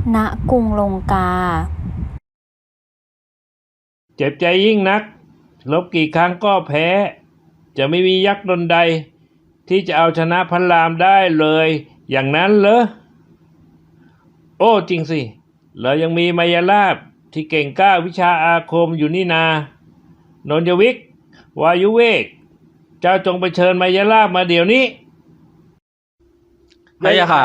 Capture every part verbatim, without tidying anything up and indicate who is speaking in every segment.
Speaker 1: ณกรุงลงกา
Speaker 2: เจ็บใจยิ่งนักรบกี่ครั้งก็แพ้จะไม่มียักษ์ตนใดที่จะเอาชนะพระรามได้เลยอย่างนั้นเหรอโอ้จริงสิเรายังมีมายาลาภที่เก่งกล้าวิชาอาคมอยู่นี่นานนยวิกวายุเวกเจ้าจงไปเชิญมายาลาภมาเดี๋ยวนี้
Speaker 3: พระยาค่ะ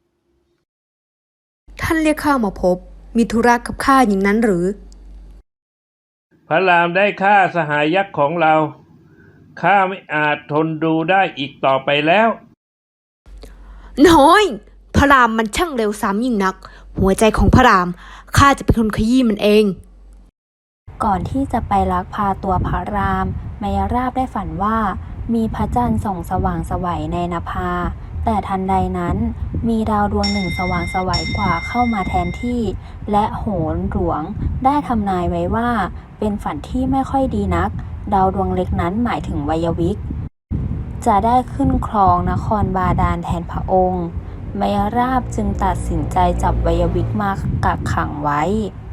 Speaker 4: ท่านเรียกข้ามาพบมีธุระกับข้าอย่างนั้นหรือ
Speaker 2: พระรามได้ฆ่าสหายยักษ์ของเราข้าไม่อาจทนดูได้อีกต่อไปแล้ว
Speaker 4: น้อยพระรามมันช่างเร็วซ้ำยิ่งนักหัวใจของพระรามข้าจะเป็นคนขยี้มันเอง
Speaker 1: ก่อนที่จะไปลักพาตัวพระรามมายราบได้ฝันว่ามีพระจันทร์ส่องสว่างไสวในนภาแต่ทันใดนั้นมีดาวดวงหนึ่งสว่างไสวกว่าเข้ามาแทนที่และโหรหลวงได้ทำนายไว้ว่าเป็นฝันที่ไม่ค่อยดีนักดาวดวงเล็กนั้นหมายถึงวัยวิกจะได้ขึ้นครองนครบาดาลแทนพระองค์มายราบจึงตัดสินใจจับวัยวิกมากักขังไว้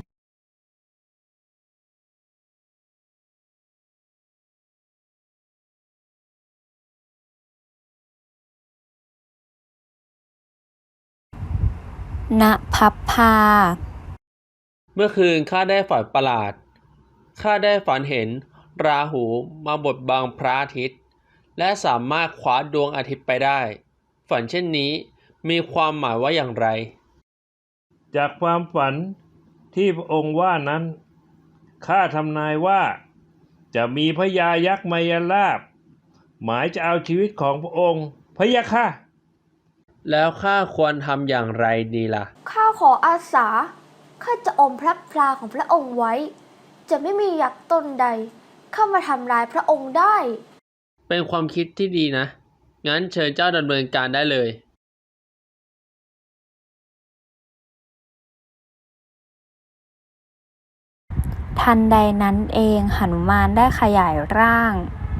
Speaker 1: ณพัพพา
Speaker 3: เมื่อคืนข้าได้ฝันประหลาดข้าได้ฝันเห็นราหูมาบดบังพระอาทิตย์และสามารถคว้าดวงอาทิตย์ไปได้ฝันเช่นนี้มีความหมายว่าอย่างไร
Speaker 2: จากความฝันที่พระองค์ว่านั้นข้าทำนายว่าจะมีพญายักษ์มายาลาภหมายจะเอาชีวิตของพระองค์พะยะค่ะ
Speaker 3: แล้วข้าควรทำอย่างไรดีล่ะ
Speaker 5: ข้าขออาสาข้าจะอมพระพลาของพระองค์ไว้จะไม่มียักษ์ตนใดเข้ามาทำร้ายพระองค์ได้
Speaker 3: เป็นความคิดที่ดีนะงั้นเชิญเจ้าดำเนินการได้เลย
Speaker 1: ทันใดนั้นเองหนุมานได้ขยายร่าง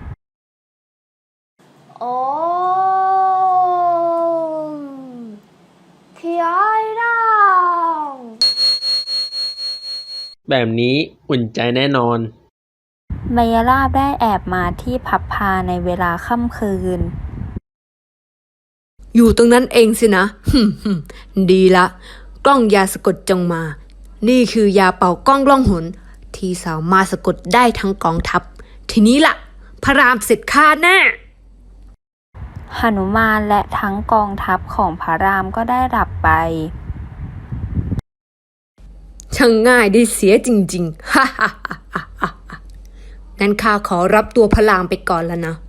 Speaker 5: โอ้ขยายร่าง
Speaker 3: แบบนี้อุ่นใจแน่นอน
Speaker 1: มายาลาภได้แอบมาที่พัพพาในเวลาค่ำคืน
Speaker 4: อยู่ตรงนั้นเองสินะดีละกล้องยาสะกดจงมานี่คือยาเป่ากล้องล่องหนที่สามารถสะกดได้ทั้งกองทัพทีนี้ล่ะพระรามเสร็จข้าแน่
Speaker 1: หนุมานและทั้งกองทัพของพระรามก็ได้หลับไป
Speaker 4: ช่างง่ายได้เสียจริงๆฮ่าฮ่าฮ่าฮ่างั้นข้าขอรับตัวพระรามไปก่อนแล้วนะ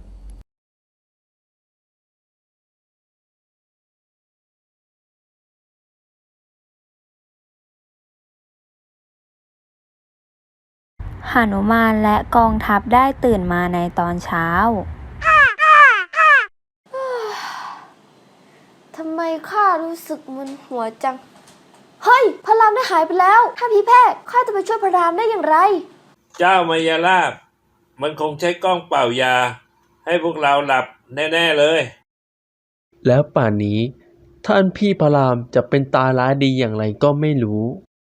Speaker 1: หนุมานและกองทัพได้ตื่นมาในตอนเช้า
Speaker 5: ทำไมข้ารู้สึกมึนหัวจังเฮ้ยพระรามได้หายไปแล้วถ้าพี่แพทย์ข้าจะไปช่วยพระรามได้อย่างไร
Speaker 2: เจ้ามายาลาภมันคงใช้กล้องเป่ายาให้พวกเราหลับแน่ๆเลย
Speaker 3: แล้วป่านนี้ท่านพี่พระรามจะเป็นตาร้ายดีอย่างไรก็ไม่รู้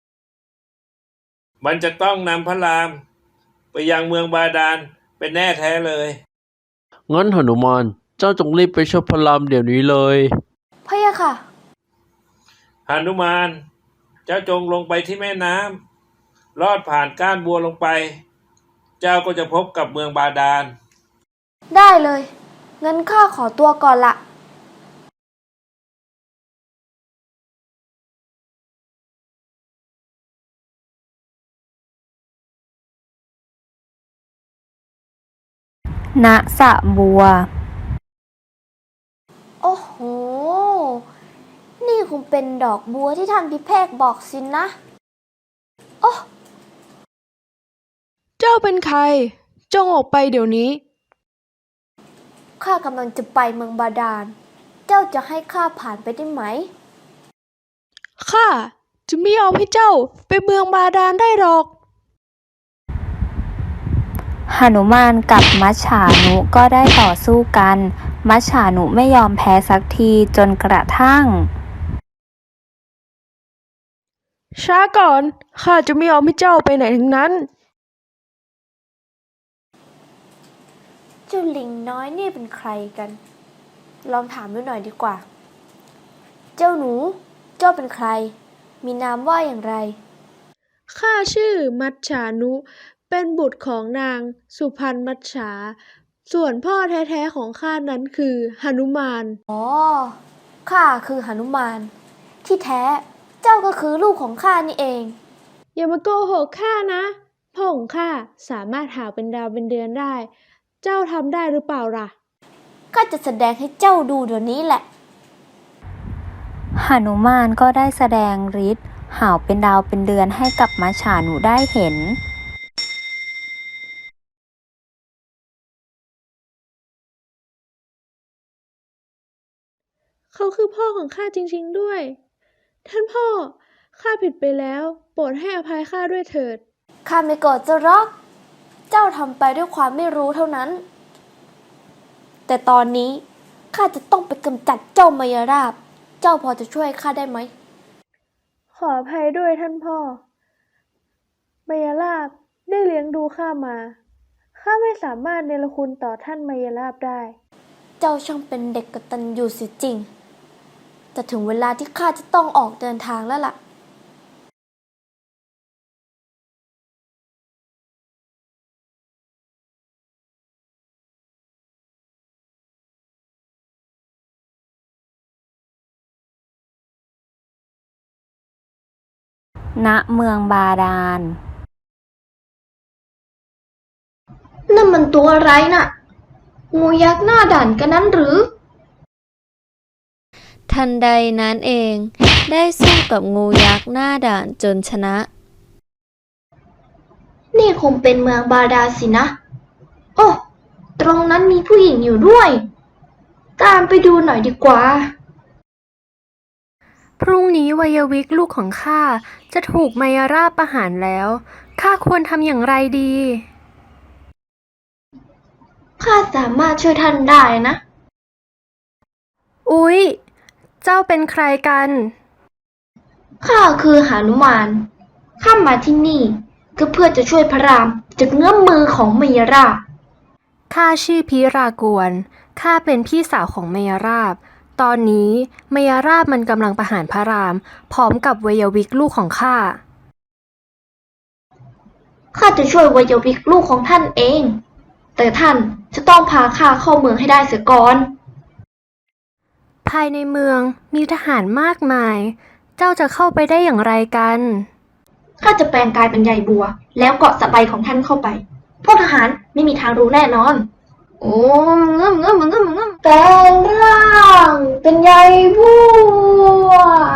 Speaker 2: มันจะต้องนำพระรามไปยังเมืองบาดาลเป็นแน่แท้เลย
Speaker 3: งั้นหนุมานเจ้าจงรีบไปช่วยพระรามเดี๋ยวนี้เลย
Speaker 5: พะยะค่ะ
Speaker 2: หนุมานเจ้าจงลงไปที่แม่น้ำลอดผ่านก้านบัวลงไปเจ้าก็จะพบกับเมืองบาดาล
Speaker 5: ได้เลยงั้นข้าขอตัวก่อนละ
Speaker 1: ณสระบัว
Speaker 5: โอ้โหนี่คงเป็นดอกบัวที่ท่านพิเภกบอกสินนะโอ้
Speaker 4: เจ้าเป็นใครจงออกไปเดี๋ยวนี้
Speaker 5: ข้ากำลังจะไปเมืองบาดาลเจ้าจะให้ข้าผ่านไปได้ไหม
Speaker 4: ข้าจะไม่ยอมให้เจ้าไปเมืองบาดาลได้หรอก
Speaker 1: หนุมานกับมัจฉานุก็ได้ต่อสู้กันมัจฉานุไม่ยอมแพ้สักทีจนกระทั่ง
Speaker 6: ช้าก่อน ข้าจะไม่ยอมให้เจ้าไปไหนทั้งนั้น
Speaker 5: เจ้าลิงน้อยนี่เป็นใครกัน ลองถามดูหน่อยดีกว่า เจ้าหนู เจ้าเป็นใคร มีนามว่าอย่างไร
Speaker 6: ข้าชื่อมัจฉานุ เป็นบุตรของนางสุพรรณมัจฉา ส่วนพ่อแท้ๆของข้านั้นคือหนุมาน
Speaker 5: อ๋อ ข้าคือหนุมาน ที่แท้ เจ้าก็คือลูกของข้านี่เอง
Speaker 6: อย่ามาโกหกข้านะ พ่อของข้าสามารถหาเป็นดาวเป็นเดือนได้ เจ้าทำได้หรือเปล่าล่ะ
Speaker 5: ก็จะแสดงให้เจ้าดูเดี๋ยวนี้แหละ
Speaker 1: หนุมานก็ได้แสดงฤทธิ์หาวเป็นดาวเป็นเดือนให้กับมัจฉานุได้เห็น
Speaker 6: เขาคือพ่อของข้าจริงๆด้วย ท่านพ่อ ข้าผิดไปแล้ว โปรดให้อภัยข้าด้วยเถิด
Speaker 5: ข้าไม่โกรธเจ้าหรอก เจ้าทำไปด้วยความไม่รู้เท่านั้น แต่ตอนนี้ข้าจะต้องไปกำจัดเจ้ามายราบ เจ้าพอจะช่วยข้าได้ไหม
Speaker 6: ขออภัยด้วยท่านพ่อมายาลาบได้เลี้ยงดูข้ามา ข้าไม่สามารถเนรคุณต่อท่านมายาลาบได้
Speaker 5: เจ้าช่างเป็นเด็กกตัญญูเสียจริง แต่ถึงเวลาที่ข้าจะต้องออกเดินทางแล้วล่ะ
Speaker 1: ณ เมืองบาดาล
Speaker 5: นั่นมันตัวอะไรน่ะ งูยักษ์หน้าด่านกันนั้นหรือ
Speaker 7: ทันใดนั้นเองได้สู้กับงูยักษ์หน้าด่านจนชนะ
Speaker 5: นี่คงเป็นเมืองบาดาลสินะ โอ้ ตรงนั้นมีผู้หญิงอยู่ด้วย ตามไปดูหน่อยดีกว่า
Speaker 6: พรุ่งนี้วัยวิกลูกของข้าจะถูกมายาราบประหารแล้ว ข้าควรทำอย่างไรดี
Speaker 5: ข้าสามารถช่วยท่านได้นะ
Speaker 6: อุ๊ย เจ้าเป็นใครกัน
Speaker 5: ข้าคือหนุมาน ข้ามาที่นี่ก็เพื่อจะช่วยพระรามจากเงื้อมมือของมายาราบ
Speaker 6: ข้าชื่อพิรากวน ข้าเป็นพี่สาวของมายาราบ ตอนนี้มายาราบมันกำลังประหารพระราม พร้อมกับวัยวิกลูกของข้า
Speaker 5: ข้าจะช่วยวัยวิกลูกของท่านเอง แต่ท่านจะต้องพาข้าเข้าเมืองให้ได้เสียก่อน
Speaker 6: ภายในเมืองมีทหารมากมาย เจ้าจะเข้าไปได้อย่างไรกัน
Speaker 5: ข้าจะแปลงกายเป็นใยบัว แล้วเกาะสบายของท่านเข้าไป พวกทหารไม่มีทางรู้แน่นอน โอ้เงื่อมเงื่อมเงื่อมเงื่อมแปลงร่างเป็นใยบัว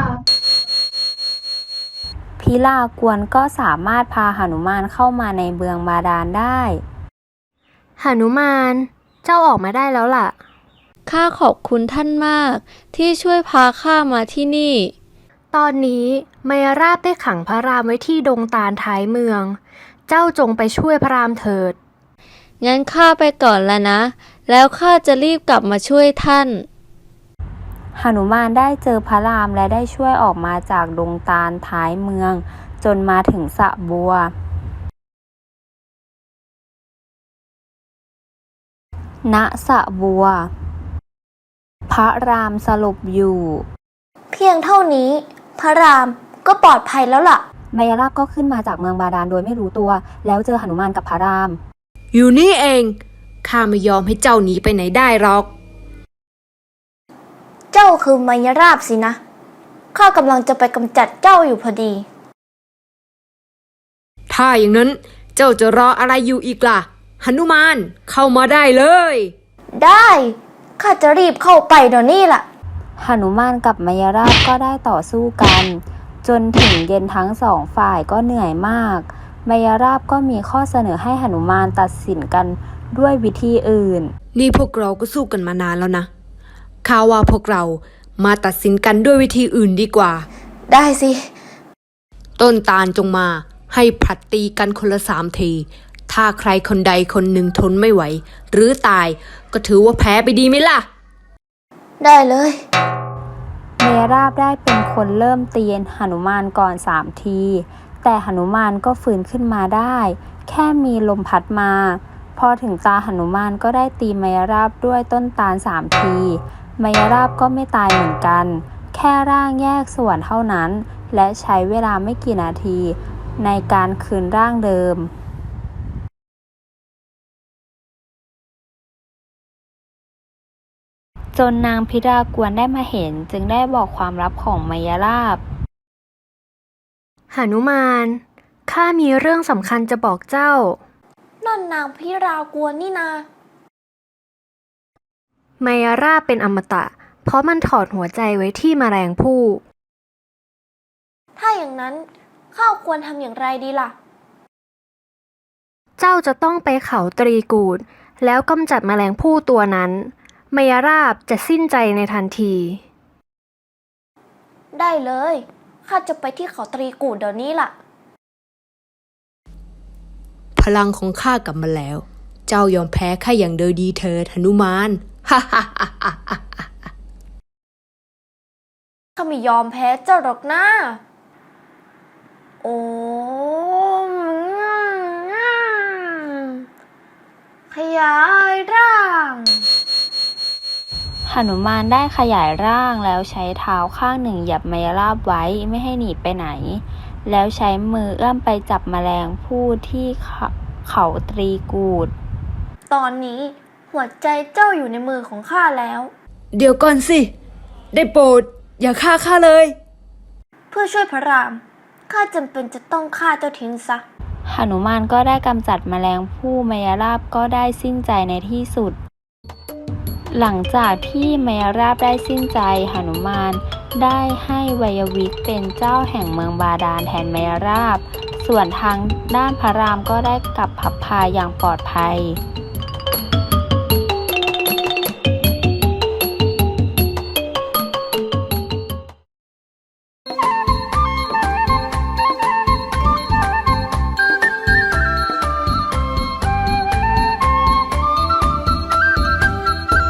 Speaker 1: พิลากวนก็สามารถพาหนุมานเข้ามาในเมืองบาดาลได้
Speaker 6: หนุมาน เจ้าออกมาได้แล้วล่ะ
Speaker 7: ข้าขอบคุณท่านมากที่ช่วยพาข้ามาที่นี่
Speaker 6: ตอนนี้มายาราบได้ขังพระรามไว้ที่ดงตาลท้ายเมือง เจ้าจงไปช่วยพระรามเถิด
Speaker 7: งั้นข้าไปก่อนแล้วนะ แล้วข้าจะรีบกลับมาช่วยท่าน
Speaker 1: หนุมานได้เจอพระรามและได้ช่วยออกมาจากดงตาลท้ายเมือง จนมาถึงสระบัว ณ สระบัว พระรามสลบอยู่
Speaker 5: เพียงเท่านี้ พระรามก็ปลอดภัยแล้วล่ะ
Speaker 1: มายาลาบก็ขึ้นมาจากเมืองบาดาลโดยไม่รู้ตัว แล้วเจอหนุมานกับพระราม
Speaker 4: อยู่นี่เอง ข้าไม่ยอมให้เจ้าหนีไปไหนได้หรอก
Speaker 5: เจ้าคือมายราบสินะ ข้ากำลังจะไปกำจัดเจ้าอยู่พอดี
Speaker 4: ถ้าอย่างนั้นเจ้าจะรออะไรอยู่อีกล่ะหนุมานเข้ามาได้เลย
Speaker 5: ได้ ข้าจะรีบเข้าไปเดี๋ยวนี้ล่ะ
Speaker 1: หนุมานกับมายาราบก็ได้ต่อสู้กัน จนถึงเย็นทั้งสองฝ่ายก็เหนื่อยมากมายาราบก็มีข้อเสนอให้หนุมานตัดสินกันด้วยวิธีอื่น
Speaker 4: นี่พวกเราก็สู้กันมานานแล้วนะข้าว่าพวกเรามาตัดสินกันด้วยวิธีอื่นดีกว่า
Speaker 5: ได้สิ
Speaker 4: ต้นตาลจงมาให้ผลัดตีกันคนละสามที ถ้าใครคนใดคนหนึ่งทนไม่ไหว หรือตายก็ถือว่าแพ้ไปดีไหมล่ะ
Speaker 5: ได้เลย
Speaker 1: มมราบได้เป็นคนเริ่มตีหนุมานก่อนสามที แต่หนุมานก็ฟื้นขึ้นมาได้ แค่มีลมพัดมา พอถึงตาหนุมานก็ได้ตีมยราบด้วยต้นตาลสามทีมยราบก็ไม่ตายเหมือนกัน แค่ร่างแยกส่วนเท่านั้น และใช้เวลาไม่กี่นาทีในการคืนร่างเดิม จนนางพิรากวนได้มาเห็นจึงได้บอกความลับของมยราบ
Speaker 6: หนุมาน ข้ามีเรื่องสำคัญจะบอกเจ้า
Speaker 5: นั่นนางพิรากวนนี่นา
Speaker 6: มายาราบเป็นอมตะ เพราะมันถอดหัวใจไว้ที่แมลงภู่
Speaker 5: ถ้าอย่างนั้นข้าควรทำอย่างไรดีล่ะ
Speaker 6: เจ้าจะต้องไปเขาตรีกูด แล้วกำจัดแมลงภู่ตัวนั้นมายาราบจะสิ้นใจในทันที
Speaker 5: ได้เลย ข้าจะไปที่เขาตรีกูดเดี๋ยวนี้ล่ะ
Speaker 4: พลังของข้ากลับมาแล้ว เจ้ายอมแพ้ข้าอย่างโดยดีเถิดหนุมาน ฮ่าฮ่าฮ่าฮ่าฮ่า
Speaker 5: ข้าไม่ยอมแพ้เจ้าหรอกนะ โอ้มขยายร่าง
Speaker 1: หนุมานได้ขยายร่างแล้วใช้เท้าข้างหนึ่งเหยียบมยราบไว้ไม่ให้หนีไปไหน แล้วใช้มือเอื้อมไปจับแมลงภู่ที่เขาเขาตรีกูด
Speaker 5: ตอนนี้หัวใจเจ้าอยู่ในมือของข้าแล้ว
Speaker 4: เดี๋ยวก่อนสิ ได้โปรด อย่าฆ่าข้าเลย
Speaker 5: เพื่อช่วยพระราม ข้าจำเป็นจะต้องฆ่าเจ้าทิ้งซะ
Speaker 1: หนุมานก็ได้กำจัดแมลงภู่มยราบก็ได้สิ้นใจในที่สุด หลังจากที่มยราบได้สิ้นใจหนุมานได้ให้วัยวิกเป็นเจ้าแห่งเมืองบาดาลแทนมยราบ ส่วนทางด้านพระรามก็ได้กลับพับพาอย่างปลอดภัย